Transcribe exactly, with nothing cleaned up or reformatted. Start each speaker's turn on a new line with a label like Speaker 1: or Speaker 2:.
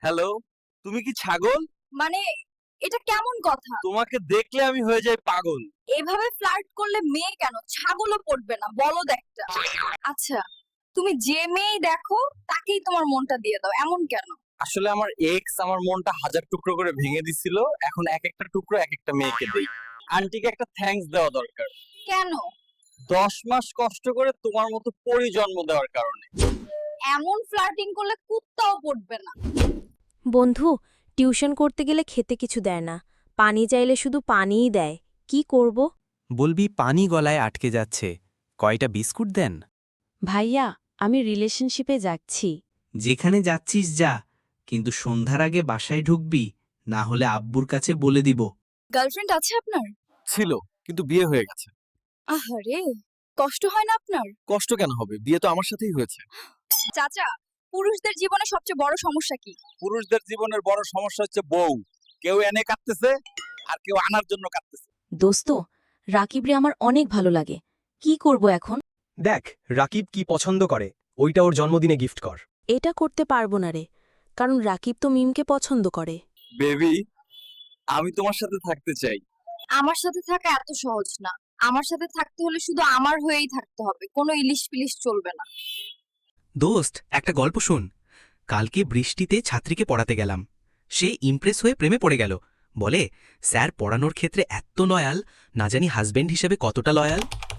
Speaker 1: Hello, তুমি কি ছাগল?
Speaker 2: মানে এটা কেমন কথা?
Speaker 1: তোমাকে দেখলে আমি হয়ে যাই পাগল।
Speaker 2: এভাবে ফ্লার্ট করলে মেয়ে কেন ছাগলও পড়বে না, বলদ একটা। আচ্ছা, তুমি যে মেয়েই দেখো তাকেই তোমার মনটা দিয়ে দাও, এমন কেন?
Speaker 1: আসলে আমার এক্স আমার মনটা হাজার টুকরো করে ভেঙে দিছিল, এখন এক একটা টুকরো এক একটা মেয়েকে দেই। আন্টিকে একটা থ্যাঙ্কস দেওয়া দরকার।
Speaker 2: কেন?
Speaker 1: দশ মাস কষ্ট করে তোমার মতো পরি জন্ম দেওয়ার কারণে।
Speaker 2: এমন ফ্লার্টিং করলে কুত্তাও পড়বে না।
Speaker 3: বন্ধু, টিউশন করতে গেলে খেতে কিছু দেয় না, পানি চাইলে শুধু পানিই দেয়। কি করব?
Speaker 4: বলবি পানি গলায় আটকে যাচ্ছে, কয়টা বিস্কুট দেন।
Speaker 3: ভাইয়া, আমি রিলেশনশিপে যাচ্ছি।
Speaker 5: যেখানে যাচ্ছিস যা, কিন্তু সন্ধ্যার আগে বাসায় ঢুকবি, না হলে আব্বুর কাছে বলে দিব।
Speaker 2: গার্লফ্রেন্ড আছে আপনার?
Speaker 1: ছিল, কিন্তু বিয়ে হয়ে গেছে।
Speaker 2: আহারে, কষ্ট হয় না আপনার?
Speaker 1: কষ্ট কেন হবে, বিয়ে তো আমার সাথেই হয়েছে।
Speaker 2: চাচা, পুরুষদের জীবনে সবচেয়ে বড় সমস্যা কি?
Speaker 1: পুরুষদের জীবনের বড় সমস্যা হচ্ছে বউ। কেউ এনে কাটতেছে আর কেউ আনার জন্য কাটতেছে।
Speaker 3: দোস্ত, রাকিবরে আমার অনেক ভালো লাগে। কি করব এখন?
Speaker 6: দেখ রাকিব কি পছন্দ করে, ওইটা ওর জন্মদিনে গিফট কর।
Speaker 3: এটা করতে পারবো না রে, কারণ রাকিব তো মিমকে পছন্দ করে।
Speaker 1: বেবি, আমি তোমার সাথে থাকতে চাই।
Speaker 2: আমার সাথে থাকা এত সহজ না। আমার সাথে থাকতে হলে শুধু আমার হয়েই থাকতে হবে, কোনো ইলিশ পিলিশ চলবে না।
Speaker 5: দোস্ত, একটা গল্প শুন। কালকে বৃষ্টিতে ছাত্রীকে পড়াতে গেলাম, সে ইমপ্রেস হয়ে প্রেমে পড়ে গেল। বলে, স্যার পড়ানোর ক্ষেত্রে এত লয়াল, না জানি হাজবেন্ড হিসেবে কতটা লয়াল।